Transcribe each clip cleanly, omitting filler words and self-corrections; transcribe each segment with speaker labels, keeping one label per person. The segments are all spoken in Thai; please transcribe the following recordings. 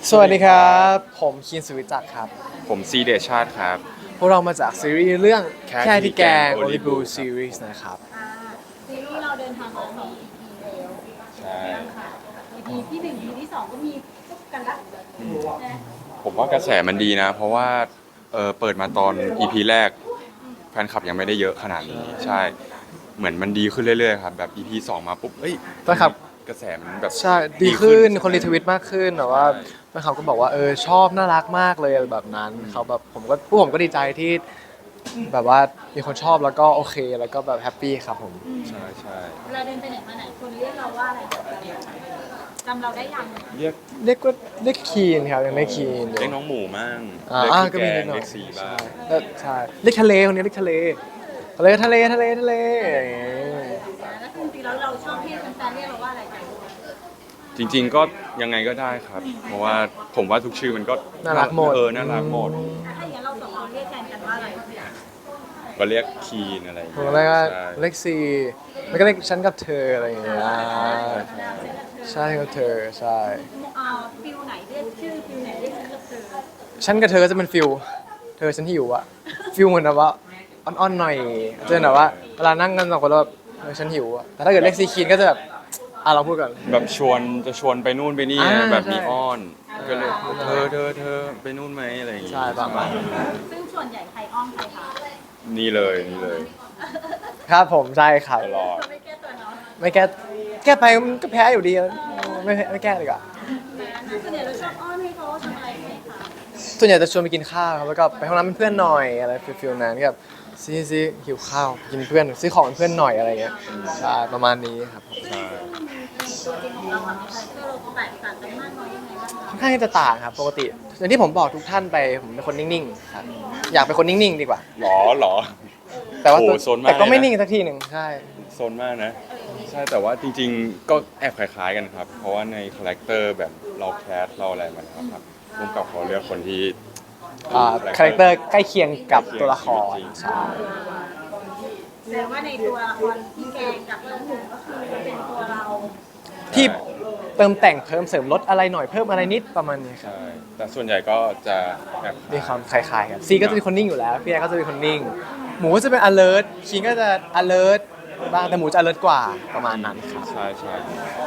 Speaker 1: สวัสดีครับผมคีนสุวิจักรครับ
Speaker 2: ผมซีเดชาติครับ
Speaker 1: พวกเรามาจากซีรีส์เรื่อง
Speaker 2: แค่
Speaker 1: แค่ที่แกง
Speaker 2: ที่แกง
Speaker 1: โอลิบู
Speaker 2: Olibu
Speaker 1: ซีรีส์นะครับ
Speaker 3: ซีรีส์เราเดินทางมา2 EP แล้ว
Speaker 2: ใช่
Speaker 3: ค่ะ EP ที่1 EP ที่2ก็มีจุกกันละนะ
Speaker 2: ผมว่ากระแสมันดีนะ เพราะว่าเปิดมาตอน EP แรกแฟนคลับยังไม่ได้เยอะขนาดนี้ใช่เหมือนมันดีขึ้นเรื่อยๆครับแบบ EP 2 มาปุ๊บเอ้ย
Speaker 1: แฟนคลับ
Speaker 2: กระแสมันแบบ
Speaker 1: ใช่ดีขึ้นคนรีทวิตมากขึ้นแต่ว่าแฟนคลับก็บอกว่าชอบน่ารักมากเลยอะไรแบบนั้นเขาแบบผมก็ดีใจที่แบบว่ามีคนชอบแล้วก็โอเคแล้วก็แบบแฮปปี้ครับผม
Speaker 2: ใช่ใช่
Speaker 3: เวลาเดินไปไหนมาไหนคนเรียกเราว่าอะไรจำเราได้ยัง
Speaker 2: เรียก
Speaker 1: เรียกคีนครับยังเรียกคีนอยู่
Speaker 2: เรียกน้องหมูมั่ง
Speaker 1: อ่า
Speaker 2: เรียกพี่
Speaker 1: ก็
Speaker 2: แก
Speaker 1: มีนิ
Speaker 2: ง
Speaker 1: ดหน่อย
Speaker 2: เรียกสีบ้าง
Speaker 1: ใช่เรียกทะเลคนนี้เรียกทะเลทะเลอย่างเงี้ย
Speaker 3: แล้วจริงๆแล้วเราชอบให้แฟนๆเรียกเราว่าอะไรกัน
Speaker 2: จริงๆก็ยังไงก็ได้ครับ เพราะว่าผมว่าทุกชื่อมันก็
Speaker 1: น่ารักหมด
Speaker 2: น่ารักหมด
Speaker 3: ถ้าอย่างนั้นเราสองคนเรียกแทนกันว่าอะไร
Speaker 2: ก็เรียกคีนอะไรอย่าง
Speaker 1: ผ
Speaker 2: เงี้
Speaker 1: ม
Speaker 2: ย
Speaker 1: เรียกว่า
Speaker 2: ใช่
Speaker 1: เล็กซีแล้วก็เรียกฉันกับเธออะไรอย่างเงี้ยใช่กับเธอใช่
Speaker 3: ฟิลไหนเรียกชื่อฟิลไหนเรียกฉันกับเธอ
Speaker 1: ฉันกับเธอก็จะเป็นฟิลเธอฉันหิวอะฟิลเหมือนแบบว่าอ่อนๆหน่อยจะเป็นแบบว่าเวลานั่งกันสองคนแล้วแบบฉันหิวอะแต่ถ้าเกิดเล็กซีคีนก็จะแบบเราพูดก่อน
Speaker 2: แบบจะชวนไปนู่นไปนี่
Speaker 1: อ่า
Speaker 2: แบบมี
Speaker 1: ใช่
Speaker 2: อ้อนก็เลยเธอไปนู่นไหมอะไรอย่างงี้
Speaker 1: ใช่ประมาณนั้น
Speaker 3: ซึ่งส่วนใหญ่ใครอ้อมใครคะ
Speaker 2: นี่เลย
Speaker 1: ครับผมใช่ครับ
Speaker 2: ตลอด
Speaker 3: เราไม่แก้ตัวเนาะ
Speaker 1: ไม่แก้ไปมันก็แพ้อยู่ดีอะไม่แก้เลยอะ
Speaker 3: ส่วนใหญ่เราชอบอ้อนให้เขาทำอะไรไหมคะ
Speaker 1: ส่วนใหญ่จะชวนไปกินข้าวครับแล้วก็ไปห้องน้ำเป็นเพื่อนหน่อยอะไรฟิลนั้นกับซีหิวข้าวกินเพื่อนซื้อของเป็นเพื่อนหน่อยอะไรเงี้ยใช่ประมาณนี้ครับผม
Speaker 2: ใช่
Speaker 3: ตัวจริงของเรากับคาแรคเตอร์เราแตกต่างกันมากน้อยยังไงบ้างคะ
Speaker 1: ค่อนข้างที่จะต่างครับปกติอย่างที่ผมบอกทุกท่านไปผมเป็นคนนิ่งๆครับอยากเป็นคนนิ่งๆดีกว่า
Speaker 2: หรอ
Speaker 1: แต่ว่า
Speaker 2: โอ้โซนมาก
Speaker 1: แต่ก็ไม่
Speaker 2: เลยนะ
Speaker 1: นิ่งสักทีหนึ่งใช่
Speaker 2: โซนมากนะ ใช่แต่ว่าจริงๆ ก็แอบคล้ายๆกันครับ เพราะว่าในคาแรคเตอร์แบบเราแคสเราอะไรมาแล้วครับร่วมกับเขาเลือกคนที่
Speaker 1: คาแรคเตอร์ใกล้เคียงกับตัวละคร
Speaker 2: จริง
Speaker 1: ใช่
Speaker 3: แสดงว่าในตัวละครพี่แกงกับน้องหมูก็คือเป็นตัวเรา
Speaker 1: ที่เติมแต่งเพิ่มเสริมลดอะไรหน่อยเพิ่มอะไรนิดประมาณนี้ครับ
Speaker 2: ใช่แต่ส่วนใหญ่ก็จะแบบ
Speaker 1: มีความคล้ายๆกันซีก็จะเป็นคนนิ่งอยู่แล้วพี่แอร์ก็จะเป็นคนนิ่ง หมูก็จะเป็น alert คิงก็จะ alert บ้างแต่หมูจะ alert กว่าประมาณนั้นครับ
Speaker 2: ใช่ใช่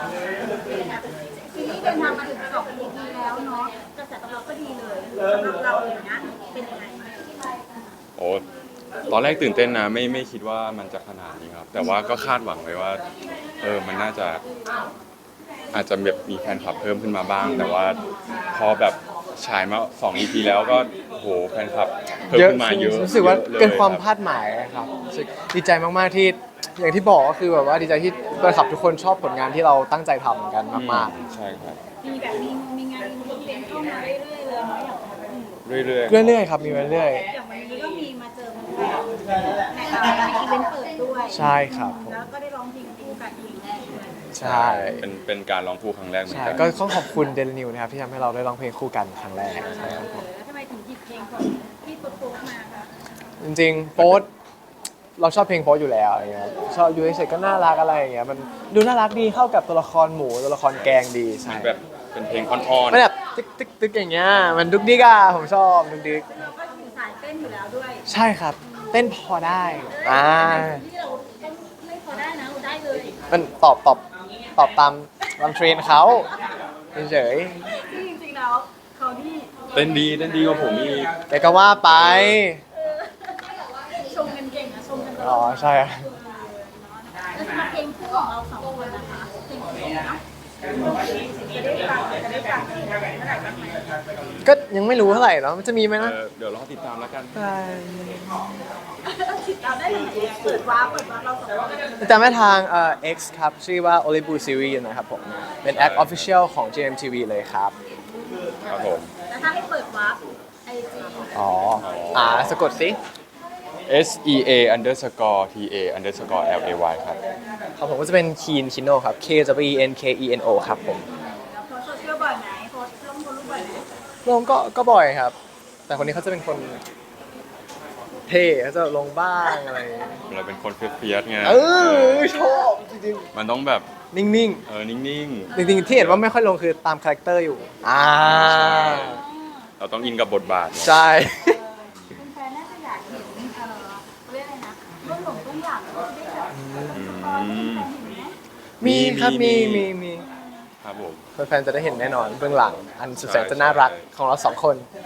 Speaker 3: ซีรีส์เดินทางมาถึง2 EP แล้วเนาะกระแสตอบรับก็ดีเลยสำหรับเราอย่างนี้ยเป็นยังไง
Speaker 2: โอ้ตอนแรกตื่นเต้นนะไม่คิดว่ามันจะขนาดนี้ครับ แต่ว่าก็คาดหวังไว้ว่ามันน่าจะอาจจะแบบมีแฟนคลับเพิ่มขึ้นมาบ้าง แต่ว่าพอแบบฉายมา2 EP แล้วก็โอ้โหแฟนคลับเพิ่ม
Speaker 1: เยอะ
Speaker 2: ขึ้นมาเยอะ
Speaker 1: รู้สึกว่า
Speaker 2: ลย
Speaker 1: เกินความ
Speaker 2: รับ
Speaker 1: คาดหมายครับรู้สึกดีใจมากๆที่อย่างที่บอกก็คือแบบว่าดีใจที่แฟนคลับทุกคนชอบผลงานที่เราตั้งใจทำกันมาก
Speaker 2: ใช่ครับ
Speaker 3: มีแบบมีงานอีเวนต์เข้ามาเรื่อยๆเลยเนาะอย่าง
Speaker 2: เรื่อย
Speaker 1: ๆ เรื่อยๆครับมีมาเรื่อย
Speaker 3: อย่างวันนี้ก็มีมาเจอแฟนในอีเวนต์เปิดด้วย
Speaker 1: ใช่ครับผม
Speaker 3: แล้วก็ได้ร้องเพลงคู่กันอีกแรกด้วย
Speaker 1: ใช่
Speaker 2: เป็นการร้องคู่ครั้งแรกเหมือน
Speaker 1: ใช่
Speaker 2: กัน
Speaker 1: ก็ต้องขอบคุณเดลนิวนะครับที่ทำให้เราได้ร้องเพลงคู่กันครั้งแรกใช่ครับผม
Speaker 3: แล้วทำไมถึงหยิบเพลงของพี่โป๊กมาคะ
Speaker 1: จริงๆโป๊ตเราชอบเพลงโป๊ตอยู่แล้วอะไรเงี้ยชอบอยู่เฉยๆก็น่ารักอะไรอย่างเงี้ยมันดูน่ารักดีเข้ากับตัวละครหมูตัวละครแกงดีใช่
Speaker 2: มันแบบเป็นเพลงอ่อน
Speaker 1: มันแบบตึกอย่างเงี้ยมันดุกดิกอ่ะผมชอบดุกดิก
Speaker 3: เราก็อยู่สายเต้นอยู่แล้วด้วย
Speaker 1: ใช่ครับ เต้นพอได้
Speaker 3: ที่เราต้องไม่พอได้นะเราได้เลย
Speaker 1: มันตอบตามเทรนเขาเฉย
Speaker 3: ที่จริงๆแล้วเขาที่
Speaker 2: ๆเต้นดีกว่าผมอีก
Speaker 1: ๆแกก็ว่าไป
Speaker 3: ชมกันเก่งนะชมกันตล
Speaker 1: อ๋อ
Speaker 3: อด
Speaker 1: ใช่ครับ
Speaker 3: แล้วสำหรับเพลงคู่ของเรา2 คนนะคะเพลงคู่เนาะจะได้ฟังเมื่อไหร่บ้างไหม
Speaker 1: ก็ยังไม่รู้เท่าไหร่เนาะมันจะมีไหมนะ
Speaker 2: เดี๋ยวรอติดตามแล้วกัน
Speaker 1: ใช่
Speaker 3: ติดตามได้ทางไหนเปิดวาร์ปเรา2 คน
Speaker 1: ติดตามได้ทางX ครับ ชื่อว่า Olibu Series นะครับผม เป็นแอค Official ของ GMTV เลยครับ
Speaker 2: ครับผม
Speaker 3: แล้วถ้าให้เปิดวาร์ปไอจี
Speaker 1: อ๋อ สะกดสิ
Speaker 2: SEA_TA_LAY ครับ
Speaker 1: ครับผมก็จะเป็น Keen Kino ครับ KWENKENO ครับผม
Speaker 3: แล้วโพสโซเชียลบ่อยไหมโพสลงรูปบ่อยไหม
Speaker 1: ลงก็บ่อยครับ แต่คนนี้เขาจะเป็นคนเท่เขาจะลงบ้างอะไร
Speaker 2: เราเป็นคนเฟียสๆไง
Speaker 1: ชอบจริง
Speaker 2: มันต้องแบบ
Speaker 1: นิ่ง
Speaker 2: นิ่ง
Speaker 1: ๆจริงๆที่เห็นว่าไม่ค่อยลงคือตามคาแรคเตอร์อยู่
Speaker 2: ๆเราต้องอินกับบทบาทเนี่ย
Speaker 1: ใช่
Speaker 3: คุณแฟนน่าจะอยากเห็นเรียกอะไรนะเบื้องหลังเบื้องหลังเราได้แบบสปอยให้แฟนเห็นไหม
Speaker 1: มีครับ
Speaker 2: มี
Speaker 1: มี
Speaker 2: ครับผม
Speaker 1: แฟนๆจะได้เห็นแน่นอนเบื้องหลัง อันสุดแสนจะน่ารักของเรา2 คน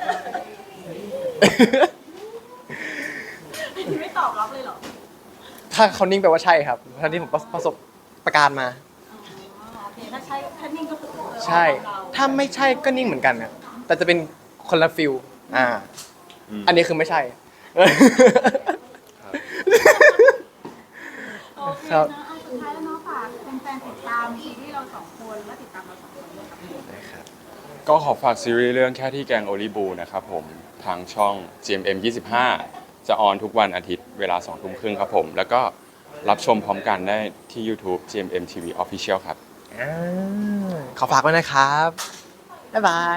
Speaker 3: ไม่ตอบรับเลยเหรอ
Speaker 1: ถ้าเขานิ่งแปลว่าใช่ครับท่าที่ผมประสบประการมา
Speaker 3: โอเคถ้าใช่ถ้านิ่งก็คือ
Speaker 1: ใช่ ถ้าไม่ใช่ก็นิ่งเหมือนกันนะแต่จะเป็นคนละฟิลอันนี้คือไม่ใช่
Speaker 3: โอเค
Speaker 1: ครับ
Speaker 3: นะเอาสุดท้ายแล้วเนาะฝากแฟนๆติดตามซีรีส์เราสองคนและติดตามเราสองคนด้วยครับ
Speaker 2: ก็ขอฝากซีรีส์เรื่องแค่ที่แกงโอลิบูนะครับผมทางช่อง GMM 25 จะออนทุกวันอาทิตย์เวลา 2 ทุ่มครึ่งครับผม แล้วก็รับชมพร้อมกันได้ที่ YouTube GMM TV Official ครับ
Speaker 1: ขอฝากไว้นะครับ บ๊ายบาย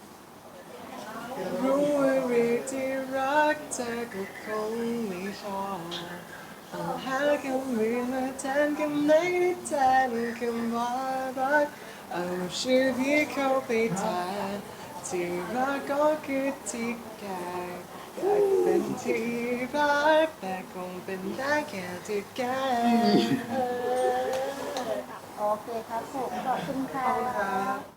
Speaker 1: รู้ว่ารีที่รักเธอก็คงไม่พอต้องหาคำอื่นมาแทนคำไหนที่แทนคำว่ารักเอาชื่อที่เข้าไปแทนที่รักก็คือที่แกอยากเป็นที่รักแต่คงเป็นได้แค่ที่แก
Speaker 3: โอเคครับผมขอบคุณค่ะ